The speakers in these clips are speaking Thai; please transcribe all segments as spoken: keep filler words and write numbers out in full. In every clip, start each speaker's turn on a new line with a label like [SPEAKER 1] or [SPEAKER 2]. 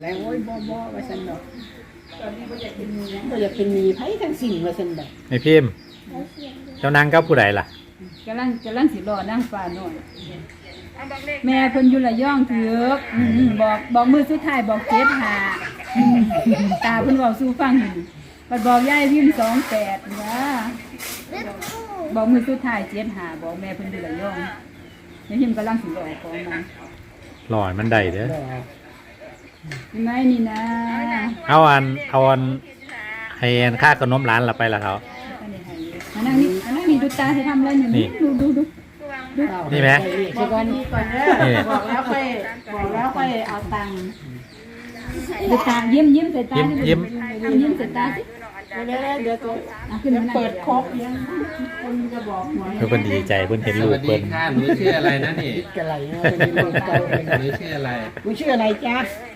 [SPEAKER 1] แล้วโอ้ยบ่บ่ว่าซั่นดอกบ่อยากเป็นมีบ่อยากเป็นมีไผทั้งสิ้นว่าซั่นดอก
[SPEAKER 2] ไอ้พิมพ์เจ้านางกับผู้ใดล่ะ
[SPEAKER 3] กำลังกำลังสิรอนั่งฟ้าน้อยแม่เพิ่นอยู่ระยองถือกบอกบอกมือสุดท้ายบอกเจ็ดหาตาเพิ่นเว้าสู่ฟังนี่บัดบอกยายพิมพ์สองแปดนะบอกมือสุดท้ายเจ็ดหาบอกแม่เพิ่นอยู่ระยองยายพิมพ์กำลังสิรอของมัน
[SPEAKER 2] หล่อมันได้เด้อ
[SPEAKER 3] ยังไงนี่นะ
[SPEAKER 2] เอาอันเอาอันให้อันค่าขนมร้านเราไปละเขา
[SPEAKER 3] อันนั้นนี่อันนั้นนี่ดูตาจะทำอะไรอยู่นี่ดูดูดู
[SPEAKER 2] นี่ไหม
[SPEAKER 1] บอกก่อนก่อนเด้อบอกแล้วค่อยบอกแล้วค่อยเอาตังค์
[SPEAKER 3] ดูตายิ้มยิ้มใส่ตา
[SPEAKER 2] ยิ้มยิ้ม
[SPEAKER 3] ยิ้มใส่ตาสิ
[SPEAKER 1] เดี๋ยวเดี๋ยวตัวเปิดครบยังคนจะบอกหวย
[SPEAKER 2] เพิ่นดีใจเพิ่นเห็นลูกเพิ่น
[SPEAKER 4] ค่ะหนูชื่ออะไรนะนี่
[SPEAKER 1] อะไรนะเป็นคนเก่า
[SPEAKER 4] หนูชื่ออะไร
[SPEAKER 1] หนูชื่ออะไรจ๊ะ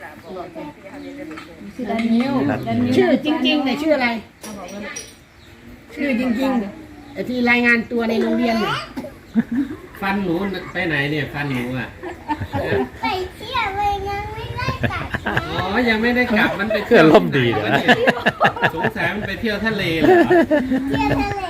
[SPEAKER 3] ชื่อดันนิว
[SPEAKER 1] ชื่อจริงๆเนี่ยชื่ออะไรชื่อจริงๆไอ้ที่รายงานตัวในโรงเรียนเนี่ย
[SPEAKER 4] ฟันหนูไปไหนเนี่ยฟันหนูอ่ะ
[SPEAKER 5] ไปเที่ยวเลยยังไม่ได้กลับ
[SPEAKER 4] อ๋อยังไม่ได้กลับมันไป
[SPEAKER 2] เที่ยวล่มดีเลยนะ
[SPEAKER 4] สงสัยมันไปเที่ยวทะเลเหรอ
[SPEAKER 5] เที่ยวทะเล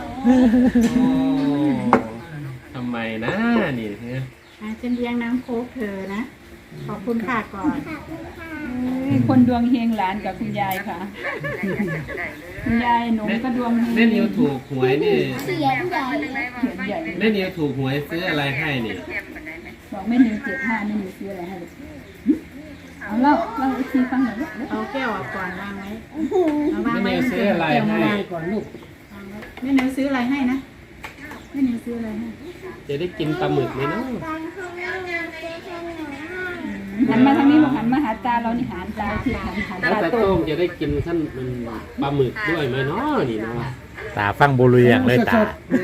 [SPEAKER 4] ทำไมนะนี่เนี่ย
[SPEAKER 1] ฉันเลี้ยงน้ำโค้กเธอนะขอบคุณค่ะก่อน
[SPEAKER 3] คนดวงเฮงหลานกับคุณยายค่ะคุณยายหนูก็ดวงเฮง
[SPEAKER 4] แม่นิวถูกหวยนี่
[SPEAKER 5] เสียงใหญ่
[SPEAKER 3] เขียนใหญ่
[SPEAKER 4] แม่นิวถูกหวยซื้ออะไรให้นี่
[SPEAKER 3] บอกแม่นิวเจ็ดห้าแม่นิวซื้ออะไรให้เอาเล่าเล่าอีกทีฟังหน่อย
[SPEAKER 1] เอาแก้วก่อนวางไว้
[SPEAKER 4] แม่นิวซื้ออะไรให้
[SPEAKER 1] ก่อนลูกแม่นิวซื้ออะไรให้นะแม่นิวซื้ออะไรให้
[SPEAKER 4] จะได้กินปลาหมึกไหมเนาะ
[SPEAKER 3] หันมาทางนี้บอกหันมาหาตาเรานี่หันตาที่หันหัน
[SPEAKER 4] ตาโต้งจะได้กินขั้นมันปลาหมึกด้วยไหมเนาะนี่เนาะ
[SPEAKER 2] ตาฟังบุรุษอย่างเลยตา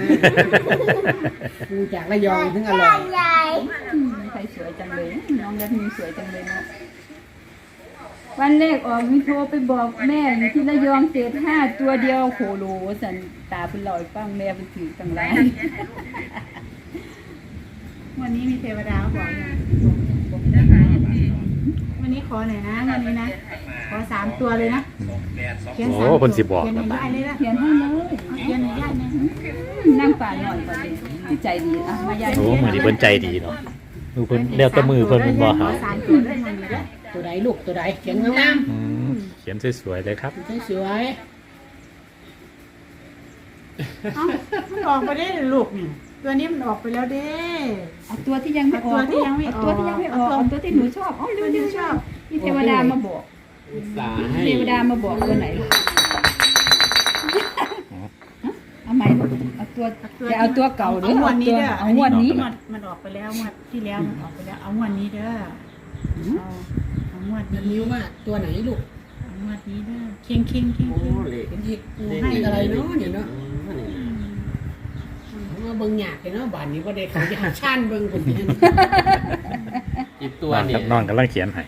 [SPEAKER 1] ดูจากระยองถึงอร่อย
[SPEAKER 3] ใครสวยจังเลยน้องยัดมีสวยจังเลยเนาะวันแรกออกมีโทรไปบอกแม่ที่ระยองเศษห้าตัวเดียวโคโลสันตาเป็นลอยฟังแม่เป็นถือตังไร
[SPEAKER 1] วันนี้มีเทวดาบอกเนี่ยวันนี้ขอหน่อยนะวันนี้นะขอสามตัวเลยนะ
[SPEAKER 2] โอ้คนสิบอก
[SPEAKER 1] เขียนให้ได้เลยนะ
[SPEAKER 3] เขียนให้เลย
[SPEAKER 1] เขียนให้ได้นะ
[SPEAKER 3] นั่งป่าหน่อยก่อนดิใจดีอ่ะมายาย
[SPEAKER 2] โอ้มือดีเพิ่นใจดีเนาะมือเพิ่นเลี้ยวตัวมือเพิ่นเป็นบ่หา
[SPEAKER 1] ตัวใดลูกตัวใดเขียนงาม
[SPEAKER 2] เขียนสวยๆเลยครับ
[SPEAKER 1] สวยเอ้ามันออกไปได้ลูกนี่ตัวนี้มันออกไปแล้วเด้
[SPEAKER 3] เอาตัวที่ยังไม่ออกตัวที่ยังไม่ออกตัวที่ยังไม่ออกตัวที่หนูชอบอ๋อตัวที่หนูชอบมีเทวดามาบอกเทวดามาบอกตัวไหนเอาไหมเอาตัวจะเอาตัวเก่าหรือเอาตัวเอางวดนี้
[SPEAKER 1] มันออกไปแล้วงวดที่แล้วมันออกไปแล้วเอางวดนี้เด้อเอาเอางวดนี้นิ้วว่าตัวไหนลูกเอางวดนี้เด้อเคียงเคียงเคียงเคียงเป็นที่ให้อะไรเนาะเนี่ยเนาะเบิ่งหยาดเลยเนาะบ้านนี้ว่าได้เขาจะชานเบิ่งคนนี้
[SPEAKER 4] อีกตัวนี่
[SPEAKER 2] นอนกำลังเขียนให้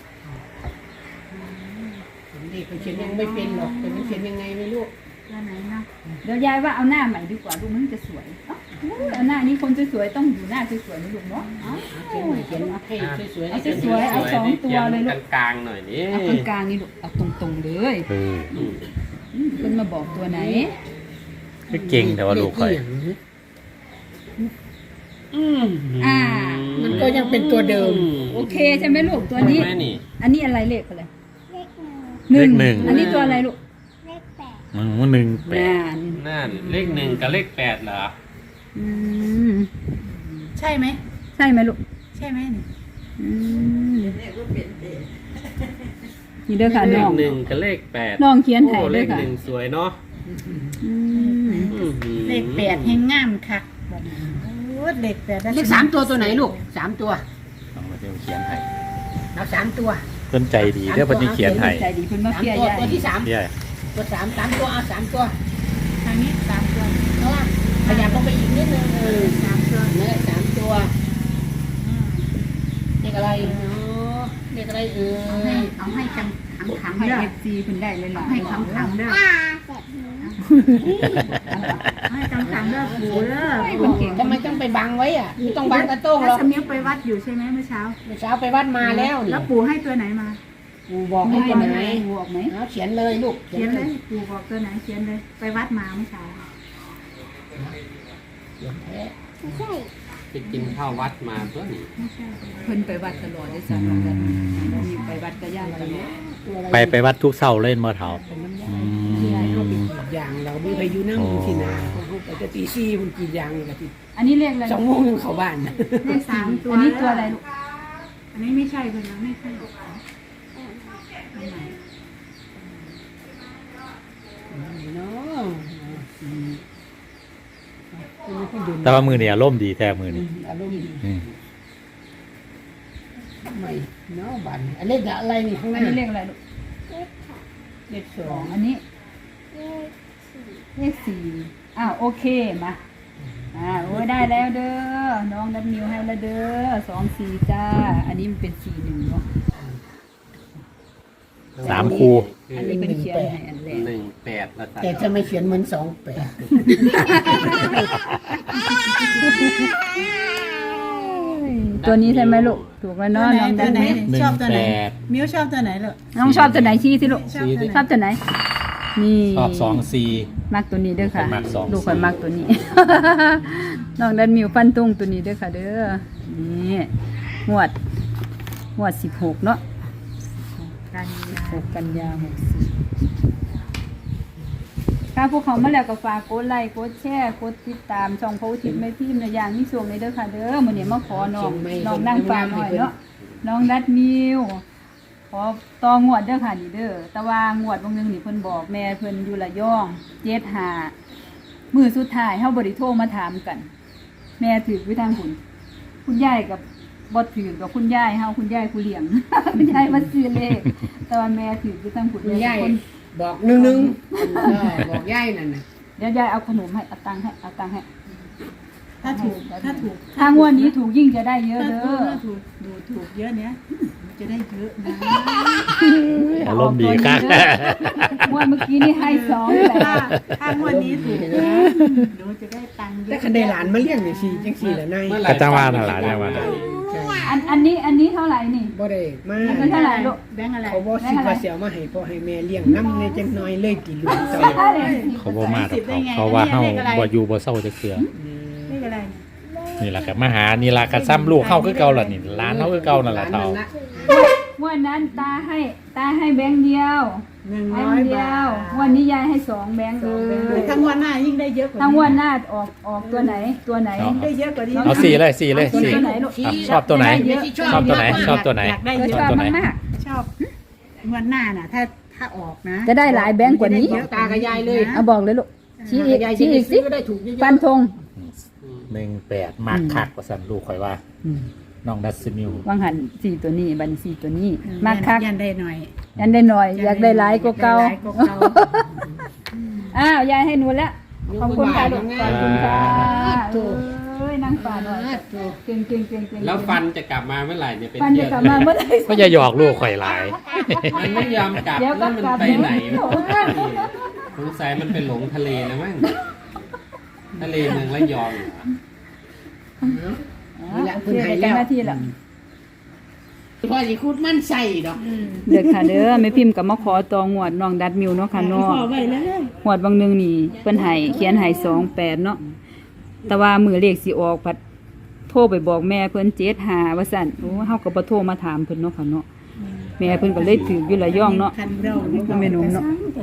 [SPEAKER 1] นี่เขาเขียนยังไม่เป็นหรอกแต่มันเขียนยังไงไม่รู้
[SPEAKER 3] ตัวไหนนะเดี๋ยวยายว่าเอาหน้าใหม่ดีกว่าดูมันจะสวยเอาหน้านี้คนสวยๆต้องอยู่หน้าสวยๆนะลูกเนาะ
[SPEAKER 1] เขียนเขียนให้สวยๆ
[SPEAKER 3] เอาสวยๆเอาสองตัวเลยลูก
[SPEAKER 4] กลางๆหน่อยนี่
[SPEAKER 3] เอากลางๆนี่ลูกเอาตรงๆเลยคนมาบอกตัวไหน
[SPEAKER 2] ก็เก่งแต่ว่าลูกใคร
[SPEAKER 3] อ่า
[SPEAKER 1] มันก็ยังเป็นตัวเดิม
[SPEAKER 3] โอเคใช่ไหมลูกตัวนี้อันนี้อะไรเลขอะไร
[SPEAKER 2] เลขหนึ่ง
[SPEAKER 3] อันนี้ตัวอะไรลูก
[SPEAKER 5] เลขแปด
[SPEAKER 2] มันหนึ่งแปด
[SPEAKER 4] นั่นเลขหนึ่งกับเลขแปดเหรอ
[SPEAKER 3] อืม
[SPEAKER 1] ใช่ไหม
[SPEAKER 3] ใช่ไหมลูก
[SPEAKER 1] ใช่ไหมนี่
[SPEAKER 3] อืมนี่เด้อค่ะน้อง
[SPEAKER 4] เลขหนึ่งกับเลขแปด
[SPEAKER 3] น้องเขียนให้
[SPEAKER 4] เลขหนึ่งสวยเนาะ
[SPEAKER 1] เลขแปดให้งามคักเลขแปดเลขสามตัวตัวไหนลูกสามตัว
[SPEAKER 2] ต้องมาเขียนให้
[SPEAKER 1] นับสามตัว
[SPEAKER 2] เพิ่นใจดีเด้อเพิ่นเขียนให้
[SPEAKER 3] ใจดีเพิ่นมาเขียน
[SPEAKER 1] ตัวที่สามตัวสามสามตัวเอาสามตัวทางนี้สามตัวเพราะว่าขยับลงไปอีกนิดนึงเออสามตัวเนี่ยสามตัวเลขอะไรเนาะเลขอะไรเออ
[SPEAKER 3] เอาให้ขังขังให้เอฟซีเพิ่นได้เลยล่ะให้ขังขังเด้อให้ขังขังเด้อปู่เด้อ
[SPEAKER 1] ทำไมต้องไปบังไว้อ่ะต้องบังตะโต้งหรอ
[SPEAKER 3] สมิงไปวัดอยู่ใช่ไหมเมื่อเช้า
[SPEAKER 1] เมื่อเช้าไปวัดมาแล้ว
[SPEAKER 3] แล้วปู่ให้ตัวไหนมา
[SPEAKER 1] ปู่บอกให้ตัวไหน
[SPEAKER 3] ปูออกไหม
[SPEAKER 1] เอาเขียนเลยลูก
[SPEAKER 3] เขียนเลยปูบอกตัวไหนเขียนเลยไปวัดมาเมื่อเช้า
[SPEAKER 1] เขียนแท้
[SPEAKER 5] ไม่ใช่
[SPEAKER 4] ไปกินข้าววัดมาเพื่อน
[SPEAKER 3] ไม่ใช่เพิ่นไปวัดตลอดได้สั่งกันไปวัดก็ย่างตลอด
[SPEAKER 1] ตัวอะไร
[SPEAKER 2] ไปไปวัดทุกเสาร์เล่นมาเถา
[SPEAKER 1] เป็นน้ำยา
[SPEAKER 2] อื
[SPEAKER 1] ที่ยายเขา
[SPEAKER 2] ม
[SPEAKER 1] เป็นกรีดยางเราไม่เคยอยู่นั่งอยู่ที่นาเขาไปจะตีซี่มันกรีดยางเลยกับที่
[SPEAKER 3] อันนี้เลขอะไร
[SPEAKER 1] สองโมงยังเข้าบ้าน
[SPEAKER 3] เลขสามตัวอันนี้ตัวอะไรลูก
[SPEAKER 1] อันนี้ไม่ใช่คนนะไม่ใช่เนาะ
[SPEAKER 2] แต่ว่ามือเนี่ยอารมณ์ดีแท้มือนี่
[SPEAKER 1] อารมณ์ดี
[SPEAKER 2] อืม
[SPEAKER 1] ไม่เนาะบ้านอันนี้อะไรนี่ข้างห
[SPEAKER 3] อั
[SPEAKER 1] น้าน
[SPEAKER 3] นี้เลขอะไรลูก
[SPEAKER 1] เลขส
[SPEAKER 3] ส
[SPEAKER 1] อ
[SPEAKER 3] อง งอันนี้
[SPEAKER 5] เลขสี่
[SPEAKER 3] เลขสี่อ้าวโอเคมาอ่าโอ้ยได้แล้วเด้อน้องดัดมิวให้แล้วเด้อสองสี่จ้าอันนี้มันเป็นสี่หนึ่งเนาะ
[SPEAKER 2] สามคู
[SPEAKER 3] อันนี้เป็นเขียนให้อันแรก
[SPEAKER 4] หนึ่งแปดละ
[SPEAKER 1] แต่จะไม่เขียนเหมือนสองแปด
[SPEAKER 3] ตัวนี้ใช่ไหมลูกถูกแล้วเนาะน้องดัดมิว
[SPEAKER 2] หนึ่งแปด
[SPEAKER 1] มิวชอบตัวไหนลูก
[SPEAKER 3] น้องชอบตัวไหนชี้สิลูก
[SPEAKER 1] ชอบตัวไหน
[SPEAKER 3] ชอบตัวไหน นี่
[SPEAKER 2] ชอบสองสี่
[SPEAKER 3] มักตัวนี้เด้อค่ะ
[SPEAKER 2] มักสอง
[SPEAKER 3] ลูกข่อยมักตัวนี้ น้องดันมิวฟันตุ้งตัวนี้เด้อค่ะเด้อ นี่หวดหวดสิบหกเนาะ
[SPEAKER 1] กันยา
[SPEAKER 3] หกกันยาหกสี่ค่ะพวกเขามาแล้วก็ฝากกดไลค์กดแชร์กดติดตามช่องพระอุทิศไม่พิมพ์ในอย่างนี้ส่งเลยเด้อค่ะเด้อมื้อนี้มาขอน้องน้องนั่งฟังหน่อยเนาะน้องดัดมิวขอต่องวดเด้อค่ะนี่เด้อแต่ว่างวดบางนึงนี่เพิ่นบอกแม่เพิ่นอยู่ระยองเจ็ดห้ามื้อสุดท้ายเฮาบ่ได้โทรมาถามกัน แม่ถือไว้ทางคุณคุณยายกับบ่ถือกับคุณยายเฮาคุณยายผู้เลี้ยง คุณยายมาซื้อเลขแต่ว่าแม่ถือไว้ทางคุณ
[SPEAKER 1] คุณยาย
[SPEAKER 3] คน
[SPEAKER 1] บอกหนึ่งหนึ่งเออบอกยายนั่นน่ะ
[SPEAKER 3] เดี๋ยวยายเอาขนมให้เอาตังค์ให้เอาตังค์ให้
[SPEAKER 1] ถ้าถูกถ้าถูก
[SPEAKER 3] ถ้างวดนี้ถูกยิ่งจะได้เยอะ
[SPEAKER 1] ถ้า
[SPEAKER 3] เด้
[SPEAKER 1] ถูก
[SPEAKER 3] อ
[SPEAKER 1] ถ้าถูกดูถูกเยอะเนี้ยจะได้เยอะนะ
[SPEAKER 2] อารมณ์ดีครับ
[SPEAKER 3] งวดเมื่อกี้นี่ให้สองแหละ
[SPEAKER 1] ถ้าถ้างวดนี้ถูกนะหนูจะได้ตังค์เยอะ
[SPEAKER 6] แต่คันได้หลานมาเลี้ยงนี่สิจังสี่แหละนาย
[SPEAKER 2] กระจังหวะน่ะหลานจังหวะน่ะ
[SPEAKER 6] ใช่
[SPEAKER 3] อันอันนี้อันนี้เท่าไหร่นี่
[SPEAKER 6] บ่ได้มา
[SPEAKER 3] อันนั้นเท่าไหร่ลูก
[SPEAKER 1] แบงค์อะไร
[SPEAKER 6] เขาบ่สิว่าเสียมาให้พ่อให้แม่เลี้ยงน้ำในจังน้อยเลยติลูกเจ้า
[SPEAKER 2] เขาบ่มาดอกเขาเขาว่าเฮาบ่อยู่บ่เศร้าจะเสือ
[SPEAKER 1] เลขอะไร
[SPEAKER 2] นี่ล่ะครับมาหานี่ล่ะก็ซ้ำลูกเฮาคือเก่าล่ะนี่หลานเฮาคือเก่านั่นล่ะเฒ่า
[SPEAKER 3] งวดนั้นตาให้ตาให้แบงค์เดียว
[SPEAKER 1] หนึ่ง
[SPEAKER 3] ให้
[SPEAKER 1] ร้อย
[SPEAKER 3] เดี
[SPEAKER 1] บา
[SPEAKER 3] ยว
[SPEAKER 1] ท
[SPEAKER 3] วันนี้ยายให้สองแบงค์เลย
[SPEAKER 1] ทั้งวันหน้ายิ่งได้เยอะกว่า
[SPEAKER 3] ทั้งวันหน้าออกออกตัวไหนตัวไหน
[SPEAKER 1] ได้เยอะกว่านี้
[SPEAKER 2] เอาสี่เลยสี่เลย
[SPEAKER 3] ตัว
[SPEAKER 2] สี่
[SPEAKER 3] ไหนลูก
[SPEAKER 2] อ่ะชอบตัวไหน
[SPEAKER 3] เยอะ
[SPEAKER 2] ชอบตัวไหนชอบตัวไหน
[SPEAKER 1] อยากได้
[SPEAKER 3] ก็
[SPEAKER 1] เย
[SPEAKER 3] ช
[SPEAKER 1] อะ
[SPEAKER 3] อบ
[SPEAKER 2] ตัวไหน
[SPEAKER 3] มาก
[SPEAKER 1] ชอบงวันหน้าน่ะ ถ้าถ้าออกนะ
[SPEAKER 3] ๆจะได้หลายแบงค์กว่านี้
[SPEAKER 6] ตากับยายเลย
[SPEAKER 3] เอาบอกเลยลูกชี้อีก
[SPEAKER 6] ยาย
[SPEAKER 3] ชี้อีกสิ
[SPEAKER 6] ก็ได้ถูกเยอะ
[SPEAKER 3] ฟันธง
[SPEAKER 2] หนึ่งแปดมากคักว่าซั่นลูกข่อยว่าน้องดัสมิว
[SPEAKER 3] วางหันสี่ตัวนี้บันสี่ตัวนี้มากคัก
[SPEAKER 1] ยันได้หน่อย
[SPEAKER 3] ยันได้หน่อย อยากได้หลายกว่าเก่า
[SPEAKER 1] อยได้หลยกว่าเก่า
[SPEAKER 3] อ้าวยายให้หนูแล้วขอบคุณค่ะลูกขอบคุณค่ะเอ้ยนั่งป่าหน่อยเก่งเก่งเก่งเก่ง
[SPEAKER 4] แล้วฟันจะกลับมาเมื่อไหร่เนี่ยเป็น
[SPEAKER 3] ฟัน
[SPEAKER 4] เดื
[SPEAKER 3] จะ
[SPEAKER 4] อน
[SPEAKER 3] กลับมาเมื่อไหร่
[SPEAKER 2] ก็อย่าหยอกลูกข่อยหลาย
[SPEAKER 4] มันไม่ยอมกลับ
[SPEAKER 3] เดี๋ยว
[SPEAKER 4] แล้
[SPEAKER 3] ก็
[SPEAKER 4] วมัน
[SPEAKER 3] กลับ
[SPEAKER 4] ไปไหน
[SPEAKER 3] เดี๋ยวก็กลับ
[SPEAKER 4] สงสัยมันเป็นหลงทะเลแล้วมั้งทะเลเมืองระยองเหรอ
[SPEAKER 3] โอเคได้กันหน้าที่แล้ว
[SPEAKER 6] พ่อสิคูดมันใส่ดอก
[SPEAKER 3] เด็กค่ะเด้อแม่พิมพ์กับมาขอตองวดน้องดัดมิวเนาะค่ะเนาะ
[SPEAKER 1] ขอไว้เลย
[SPEAKER 3] งวดบางหนึงนี่เพิ่นให้เขียนให้สองแปดเนาะแต่ว่ามือเลขสิออกพัดโทรไปบอกแม่เพิ่นเจ็ดหาว่าซั่นโอ้เฮาก็บ่โทรมาถามเพิ่นเนาะค่ะเนาะแม่เพิ่นก็เลยถืออยู่ระยองเนาะ
[SPEAKER 1] คันเรา
[SPEAKER 3] แม่หนุ่มเนาะ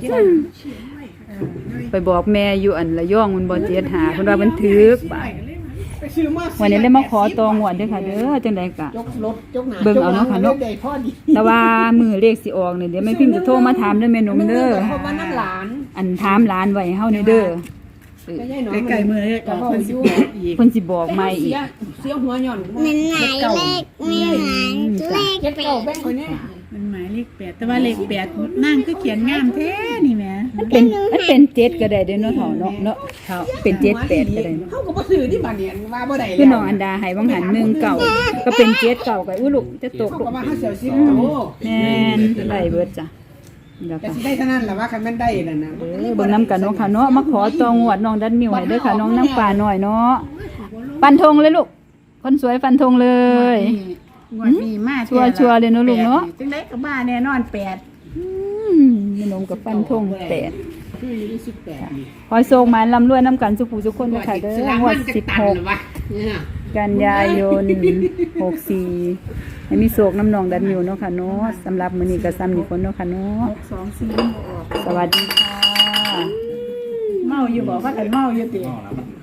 [SPEAKER 3] ไปบอกแม่อยู่อันระยองมันบ่เจ็ดหาเพิ่นว่าเพิ่นถือกบาด
[SPEAKER 6] ไปซื้อมา
[SPEAKER 3] วันนี้เลยมาขอตองวดเด้อค่ะเด้อจังได๋ก็
[SPEAKER 6] ยกรถยกหน้า
[SPEAKER 3] เบิ่งเอาเนาะค่ะเนาะ
[SPEAKER 6] ได้พ่อดี
[SPEAKER 3] แต่ว่ามือเลขสิออกนี่เดี๋ยวแม่พิมพ์จะโทรมาถามเด้อแม่หนุ่มเด้อ
[SPEAKER 6] เพราะว่าน้ำหลาน
[SPEAKER 3] อันถามหลานไว้ให้เฮานี่เด้อเออ
[SPEAKER 6] ก็ยายน้อย
[SPEAKER 1] ไกลๆมือเลย
[SPEAKER 6] ก็
[SPEAKER 1] ก็
[SPEAKER 6] พ่อ
[SPEAKER 1] คน
[SPEAKER 6] อ
[SPEAKER 1] สิ
[SPEAKER 6] ยู่
[SPEAKER 1] บอกอีก
[SPEAKER 3] เพิ่นสิบอกใหม่อีก
[SPEAKER 6] เสียเสียหัวหย่อน
[SPEAKER 5] มันไหนเลขไม่หายเลข
[SPEAKER 6] เจ็ด
[SPEAKER 5] แป
[SPEAKER 6] เก้า
[SPEAKER 5] ด
[SPEAKER 6] แบงค์คนนี้
[SPEAKER 1] มันหมายเลขแปดแต่ว่าเลขแปดนั่งคือเขียนงามแท้นี่แหม่
[SPEAKER 3] มันเป็นมันเป็นเจ็ดก็ได้เด้อเนาะเฒ่าเนาะเนาะเฒ่าเป็นเจ็ดแปดก็ได้เนาะ
[SPEAKER 6] เขาก็บ่ซื้อที่บ้านเนี่ยว่าบ่ได้แล้ว
[SPEAKER 3] คือน้องอันดาให้วังหันหนึ่งเก่าก็เป็นเจ็ดเก่าก็อุ้ยลูกจะตก
[SPEAKER 6] เขา
[SPEAKER 3] ลูก
[SPEAKER 6] ก็ว่าเขาเสียวสิบโต
[SPEAKER 3] แม่นได้เบิดจ้ะเดี๋ยว
[SPEAKER 6] แต่
[SPEAKER 3] ค่ะ
[SPEAKER 6] สิได้เท่านั้นแหละว่าคันแม่นได้นั่นน่ะ
[SPEAKER 3] เออเบิ่งน้ำกันเนาะค่ะเนาะมาขอตองวดน้องดันมิวให้เด้อค่ะน้องน้ำป่าหน่อยเนาะฟันธงเลยลูกคนสวยฟันธงเลย
[SPEAKER 1] งวดนี้มา
[SPEAKER 3] ชัวร์ชัวร์เลยเนอะลูกเนอะ
[SPEAKER 1] จังได๋ก็มาแน่นอนแปด
[SPEAKER 3] อืมแม่นมกับฟันธงแปด
[SPEAKER 6] คืออยู่ที่สิบแปดนี่
[SPEAKER 3] ขอโชคหมานร่ำรวยน้ำกันสุขผู้ทุกคนนะคะเด้องวดสิบหก
[SPEAKER 6] เนี่ย
[SPEAKER 3] กันยายนหกสี่ให้มีโศกน้ำนองดันมิวเนาะค่ะเนาะสำหรับมื้อนี้ก็ซ้ำนี่คนเนาะค่ะเนาะ
[SPEAKER 1] หกสองสี่บ่ออก
[SPEAKER 3] สวัสดีค่ะ
[SPEAKER 1] เมาอยู่บ่ว่ากันเมาอยู่ติ
[SPEAKER 2] อ๋อแล้วมัน